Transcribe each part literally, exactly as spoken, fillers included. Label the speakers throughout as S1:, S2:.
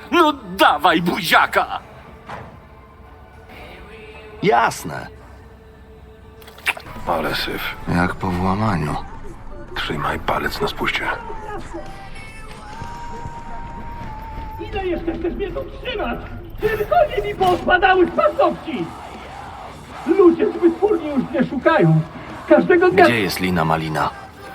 S1: No dawaj buziaka!
S2: Jasne.
S3: Ale syf.
S2: Jak po włamaniu.
S3: Trzymaj palec na spuście.
S4: Ile jeszcze chcesz mnie tu trzymać? Tylko nie mi pospadały z paznokci! Ludzie z wytwórni już mnie szukają. Każdego dnia...
S2: Gdzie jest Lina Malina?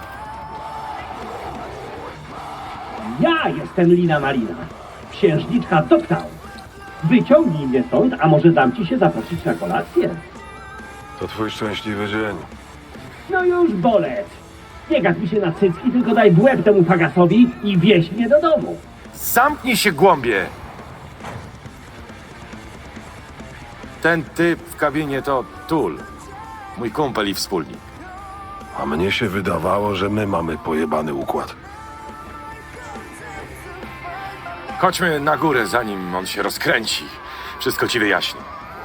S4: Ja jestem Lina Marina. Księżniczka Dogtown. Wyciągnij mnie stąd, a może dam ci się zaprosić na kolację?
S3: To twój szczęśliwy dzień.
S4: No już bolec. Nie gad mi się na cycki, tylko daj w łeb temu fagasowi i wieź mnie do domu.
S5: Zamknij się, głąbie! Ten typ w kabinie to Tul. Mój kumpel i wspólnik.
S3: A mnie się wydawało, że my mamy pojebany układ.
S5: Chodźmy na górę, zanim on się rozkręci. Wszystko ci wyjaśni.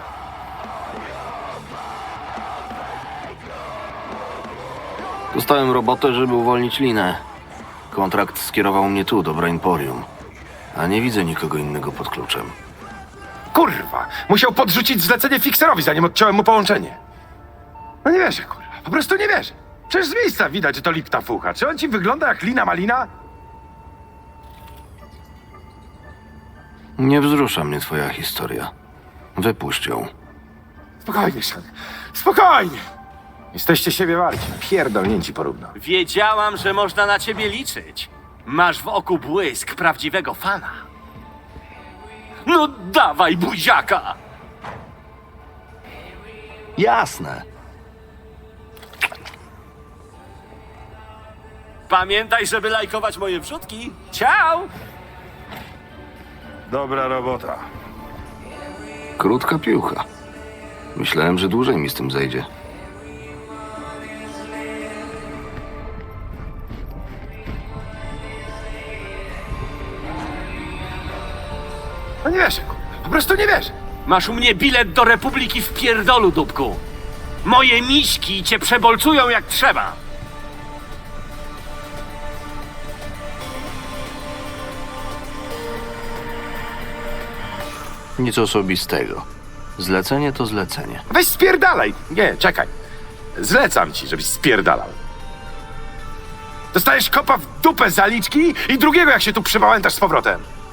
S2: Dostałem robotę, żeby uwolnić Linę. Kontrakt skierował mnie tu, do Brainporium. A nie widzę nikogo innego pod kluczem.
S5: Kurwa! Musiał podrzucić zlecenie fikserowi, zanim odciąłem mu połączenie. No nie wierzę, kurwa. Po prostu nie wierzę. Przecież z miejsca widać, że to lipta fucha. Czy on ci wygląda jak Lina Malina?
S2: Nie wzrusza mnie twoja historia. Wypuść ją.
S5: Spokojnie, Sean. Spokojnie! Jesteście siebie warci. Pierdolnięci porówno.
S1: Wiedziałam, że można na ciebie liczyć. Masz w oku błysk prawdziwego fana. No dawaj buziaka!
S2: Jasne.
S1: Pamiętaj, żeby lajkować moje wrzutki. Ciao!
S3: Dobra robota.
S2: Krótka piłka. Myślałem, że dłużej mi z tym zejdzie.
S5: No nie wierzę, kurwa. Po prostu nie wierzę.
S1: Masz u mnie bilet do Republiki w pierdolu, dupku. Moje miśki cię przebolcują jak trzeba.
S2: Nic osobistego. Zlecenie to zlecenie.
S5: Weź spierdalaj! Nie, czekaj. Zlecam ci, żebyś spierdalał. Dostajesz kopa w dupę zaliczki i drugiego, jak się tu przebałętasz z powrotem.